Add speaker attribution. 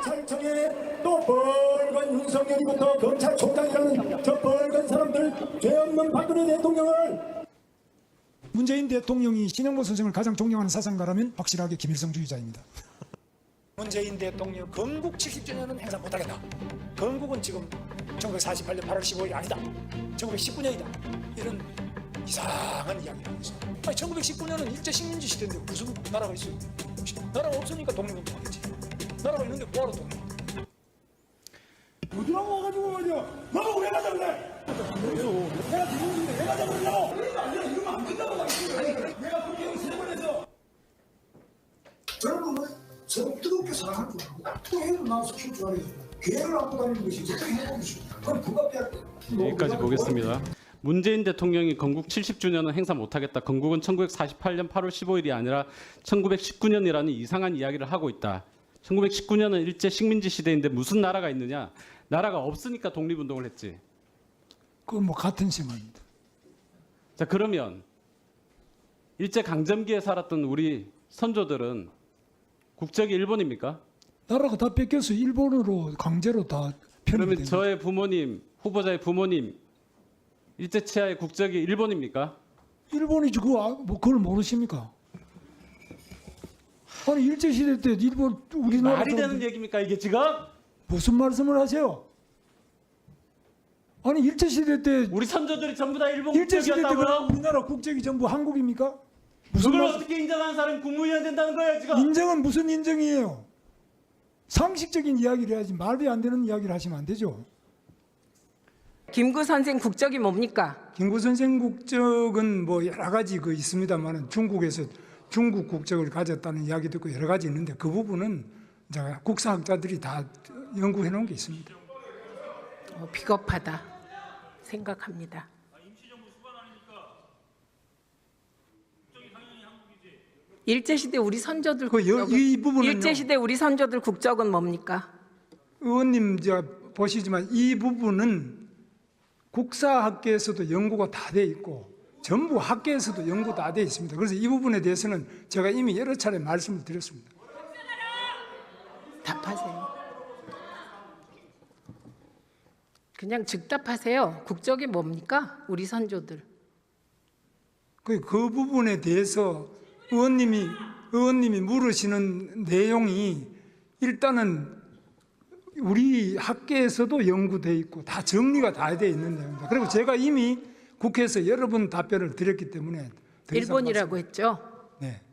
Speaker 1: 검찰청에 또 벌건 윤석열이부터 검찰총장이라는 저 벌건 사람들 죄 없는 박근혜 대통령을
Speaker 2: 문재인 대통령이 신영보 선생을 가장 존경하는 사상가라면 확실하게 김일성주의자입니다.
Speaker 3: 문재인 대통령 건국 70주년은 행사 못하겠다. 건국은 지금 1948년 8월 15일이 아니다. 1919년이다. 이런 이상한 이야기를 하고 있어요. 아니, 1919년은 일제 식민지 시대인데 무슨 나라가 있어요? 나라가 없으니까 독립운동하겠지. 나라가 있는데 뭐하러 독립?
Speaker 1: 어디라고 와가지고 말이야. 너가 왜 가자 그래? 내가 대통령인데 왜 가자 그러냐고. 이러면 안 된다고 말이야. 내가 국회의원 3번 해서
Speaker 4: 저는 서로 뜨겁게 사랑할 줄 알고 또 해를 나와서 키울 줄 알아요. 개를 안고 다니는 것이 어떻게 해보고 싶다. 그건 불가피할 때.
Speaker 5: 여기까지 보겠습니다. 문재인 대통령이 건국 70주년은 행사 못하겠다. 건국은 1948년 8월 15일이 아니라 1919년이라는 이상한 이야기를 하고 있다. 1919년은 일제 식민지 시대인데 무슨 나라가 있느냐. 나라가 없으니까 독립운동을 했지.
Speaker 2: 그건 뭐 같은 생각입니다.
Speaker 5: 자, 그러면 일제 강점기에 살았던 우리 선조들은 국적이 일본입니까?
Speaker 2: 나라가 다 뺏겨서 일본으로 강제로 다 편입이
Speaker 5: 그러면
Speaker 2: 된
Speaker 5: 저의 부모님, 후보자의 부모님 일제 치하의 국적이 일본입니까?
Speaker 2: 일본이지 그걸 모르십니까? 아니 일제 시대 때 일본 우리나라
Speaker 5: 말이 되는 얘기입니까 이게 지금?
Speaker 2: 무슨 말씀을 하세요? 아니 일제 시대 때
Speaker 5: 우리 선조들이 전부 다 일본
Speaker 2: 일제 시대 때
Speaker 5: 국적이었다고요?
Speaker 2: 우리나라 국적이 전부 한국입니까? 무슨
Speaker 5: 그걸
Speaker 2: 말-
Speaker 5: 어떻게 인정하는 사람이 국무위원 된다는 거예요 지금?
Speaker 2: 인정은 무슨 인정이에요? 상식적인 이야기를 해야지 말이 안 되는 이야기를 하시면 안 되죠.
Speaker 6: 김구 선생 국적이 뭡니까?
Speaker 2: 김구 선생 국적은 뭐 여러 가지 있습니다만은 중국에서 중국 국적을 가졌다는 이야기도 있고 여러 가지 있는데 그 부분은 이제 국사학자들이 다 연구해 놓은 게 있습니다.
Speaker 6: 비겁하다 생각합니다. 일제시대 우리 선조들
Speaker 2: 이 부분은요.
Speaker 6: 일제시대 우리 선조들 국적은 뭡니까?
Speaker 2: 의원님 보시지만 이 부분은 국사학계에서도 연구가 다 돼 있고 전부 학계에서도 연구 다 돼 있습니다. 그래서 이 부분에 대해서는 제가 이미 여러 차례 말씀을 드렸습니다.
Speaker 6: 답하세요. 그냥 즉답하세요. 국적이 뭡니까? 우리 선조들.
Speaker 2: 그 부분에 대해서 의원님이 물으시는 내용이 일단은 우리 학계에서도 연구돼 있고 다 정리가 다 돼 있는 내용입니다. 그리고 제가 이미 국회에서 여러 번 답변을 드렸기 때문에 더 이상
Speaker 6: 일본이라고 했죠?
Speaker 2: 네.